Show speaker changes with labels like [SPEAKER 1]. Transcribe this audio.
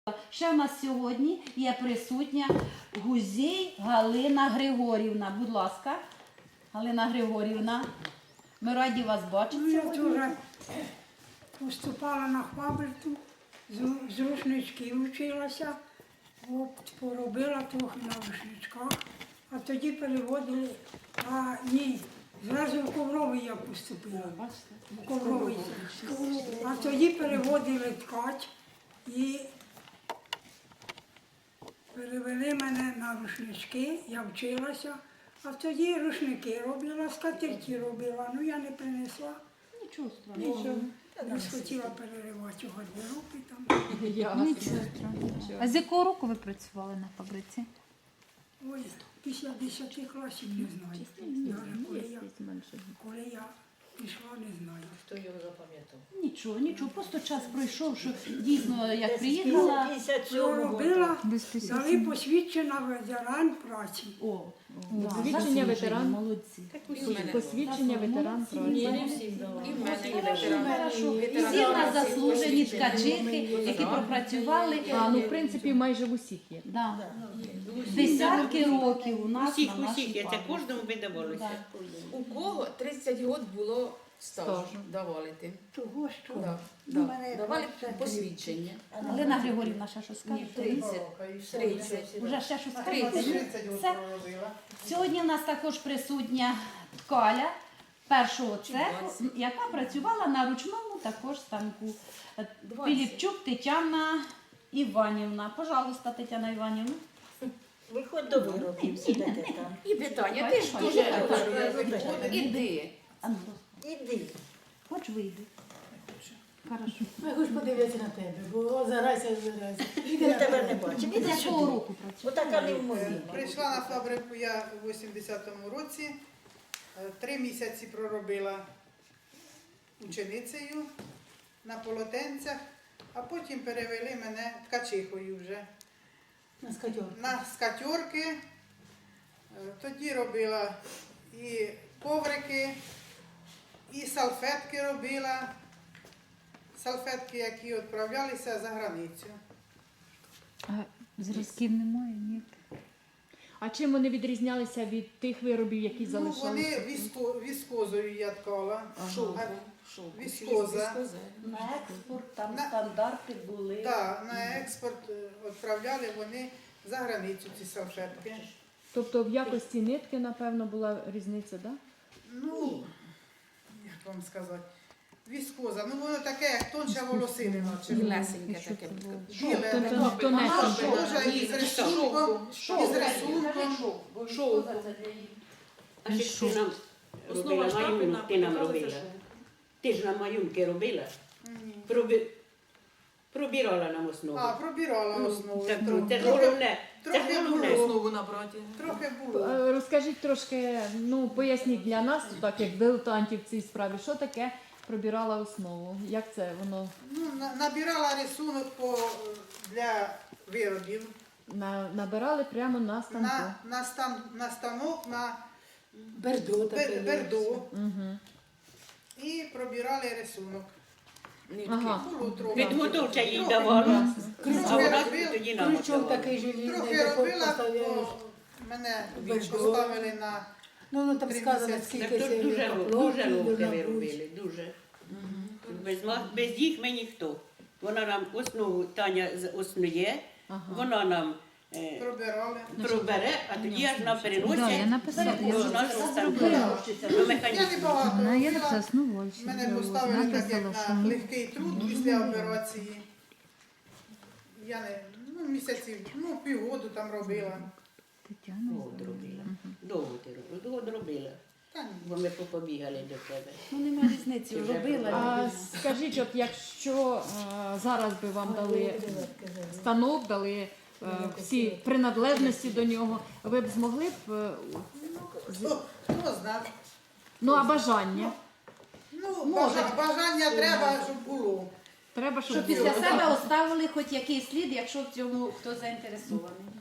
[SPEAKER 1] Ще в нас сьогодні є присутня Гузій Галина Григорівна. Будь ласка, Галина Григорівна, ми раді вас бачити
[SPEAKER 2] Я
[SPEAKER 1] сьогодні.
[SPEAKER 2] теж поступала на фабрику, з рушничків вчилася, от, поробила трохи на рушничках, а тоді переводили, зразу в Ковровий я поступила. В Ковровий. А тоді переводили ткач і перевели мене на рушнички, я вчилася, а тоді рушники робила, скатерті робила, я не принесла.
[SPEAKER 1] Нічого страшного.
[SPEAKER 2] Не схотіла переривати у гардеробі там.
[SPEAKER 1] Нічого страшного. А з якого року ви працювали на фабриці?
[SPEAKER 2] Ой, після 10 класів не знаю. Навіть коли я пішла, не знаю.
[SPEAKER 3] Хто його запам'ятав?
[SPEAKER 1] Нічого, просто час пройшов, що дійсно, як приїхала.
[SPEAKER 2] Що робила, дали посвідчена ветеран праці.
[SPEAKER 4] Посвідчення ветеран.
[SPEAKER 1] Молодці.
[SPEAKER 4] Посвідчення ветеран праці.
[SPEAKER 3] Не всім дала. І в мене є
[SPEAKER 1] Хорошо.
[SPEAKER 3] ветеран.
[SPEAKER 1] Всі в нас заслужені ткачихи, які пропрацювали.
[SPEAKER 4] В принципі, майже в усіх є.
[SPEAKER 1] Да. Десятки років у нас
[SPEAKER 5] Усіх,
[SPEAKER 1] на нашій
[SPEAKER 5] усіх, це
[SPEAKER 1] фабриці.
[SPEAKER 5] кожному видавалося.
[SPEAKER 3] У кого 30 років було стажу
[SPEAKER 4] Стажу.
[SPEAKER 3] давали ти?
[SPEAKER 2] Того, що
[SPEAKER 3] Давали посвідчення.
[SPEAKER 1] Галина Григорівна ще щось скаже?
[SPEAKER 3] 30.
[SPEAKER 1] Уже ще щось скаже? Все. Сьогодні в нас також присутня Ткаля першого цеху, яка працювала на ручному також станку. Піліпчук Тетяна Іванівна. Пожалуйста, Тетяна Іванівна.
[SPEAKER 6] Виходь до виробів, сидите там.
[SPEAKER 3] І питання, ти ж дуже іди.
[SPEAKER 1] А ну,
[SPEAKER 6] Іди.
[SPEAKER 1] хоч вийди. Хорошо.
[SPEAKER 7] Я хочу подивитися на тебе, бо заразся.
[SPEAKER 6] Я тебе не бачу. Іди
[SPEAKER 1] З якого
[SPEAKER 6] сюди.
[SPEAKER 1] року працюєте?
[SPEAKER 6] Отака не в моїй.
[SPEAKER 8] Прийшла на фабрику я у 80-му році, 3 місяці проробила ученицею на полотенцях, а потім перевели мене ткачихою вже
[SPEAKER 7] На скатьор.
[SPEAKER 8] на скатьорки. Тоді робила і коврики, і салфетки робила, салфетки, які відправлялися за границю.
[SPEAKER 1] А зразків немає, ні.
[SPEAKER 4] А чим вони відрізнялися від тих виробів, які
[SPEAKER 8] Ну,
[SPEAKER 4] залишалися?
[SPEAKER 8] вони віскозою я ткала.
[SPEAKER 3] Шовку.
[SPEAKER 8] Віскоза.
[SPEAKER 1] На експорт там
[SPEAKER 8] На-
[SPEAKER 1] стандарти були.
[SPEAKER 8] Так, на експорт відправляли вони за границю ці салфетки.
[SPEAKER 4] Тобто в якості нитки, напевно, була різниця, так? Да?
[SPEAKER 8] Ну, як вам сказати, віскоза, ну воно таке, як тонша волосинина. чи
[SPEAKER 3] Білесеньке таке.
[SPEAKER 8] біле,
[SPEAKER 4] Тобто
[SPEAKER 8] таке.
[SPEAKER 4] тонесеньке.
[SPEAKER 8] Може, із рисунком, із рисунком.
[SPEAKER 5] А ще ти нам робила маюнок, ти нам робила. Ти ж нам маюнки робила. Пробирала нам основу.
[SPEAKER 8] А, пробирала основу.
[SPEAKER 5] Так, це ж головне. Це ж
[SPEAKER 8] Трохи
[SPEAKER 5] головне.
[SPEAKER 8] було.
[SPEAKER 3] Основу набрати.
[SPEAKER 8] Трохи було.
[SPEAKER 4] Розкажіть трошки, поясніть для нас, так як дилетантів в цій справі, що таке пробирала основу? Як це воно
[SPEAKER 8] Ну, набирала рисунок для виробів.
[SPEAKER 4] набирали прямо на станку?
[SPEAKER 8] На станок, на
[SPEAKER 7] Бердо таке.
[SPEAKER 8] берду.
[SPEAKER 4] Угу.
[SPEAKER 8] І пробирали рисунок.
[SPEAKER 4] Ага.
[SPEAKER 8] Було трохи.
[SPEAKER 5] Підготовча їй давала. А вона тоді нам
[SPEAKER 7] Крючок
[SPEAKER 5] віддавала.
[SPEAKER 7] такий желізний,
[SPEAKER 8] Трохи
[SPEAKER 7] такий
[SPEAKER 8] робила,
[SPEAKER 7] поставляєш.
[SPEAKER 8] то мене
[SPEAKER 7] Берду.
[SPEAKER 8] поставили на
[SPEAKER 7] Ну, там
[SPEAKER 8] 3
[SPEAKER 7] сказано,
[SPEAKER 8] місяці.
[SPEAKER 7] скільки
[SPEAKER 5] Так
[SPEAKER 7] це
[SPEAKER 5] тут дуже
[SPEAKER 7] каплоків,
[SPEAKER 5] ловке
[SPEAKER 7] на
[SPEAKER 5] ви
[SPEAKER 7] грудь.
[SPEAKER 5] робили, дуже. Без їх ми ніхто. Вона нам основу, Таня основує, вона нам
[SPEAKER 8] пробирали.
[SPEAKER 5] пробере, а тоді аж нам переносить
[SPEAKER 1] Да, я написала,
[SPEAKER 5] до
[SPEAKER 1] я
[SPEAKER 5] нашого станку, до
[SPEAKER 8] Я не
[SPEAKER 5] механізму.
[SPEAKER 8] багато
[SPEAKER 1] Вона є
[SPEAKER 8] робила.
[SPEAKER 1] заснувальщик.
[SPEAKER 8] Мене поставили так, як на легкий труд після операції. Я не, місяців, півгоду там робила.
[SPEAKER 1] Тетяна.
[SPEAKER 5] Довго робила. Довго ти робила, довго робила.
[SPEAKER 8] Та ні.
[SPEAKER 5] Бо ми побігали до тебе.
[SPEAKER 1] Ну, немає різниці, робила.
[SPEAKER 4] А скажіть, от якщо зараз би вам дали станок, дали всі принадлежності до нього, ви б змогли б,
[SPEAKER 8] Хто знав?
[SPEAKER 4] ну а бажання?
[SPEAKER 8] Бажання треба, щоб було.
[SPEAKER 4] Треба,
[SPEAKER 1] Щоб
[SPEAKER 4] щоб
[SPEAKER 1] після себе оставили хоч якийсь слід, якщо в цьому хто заінтересований.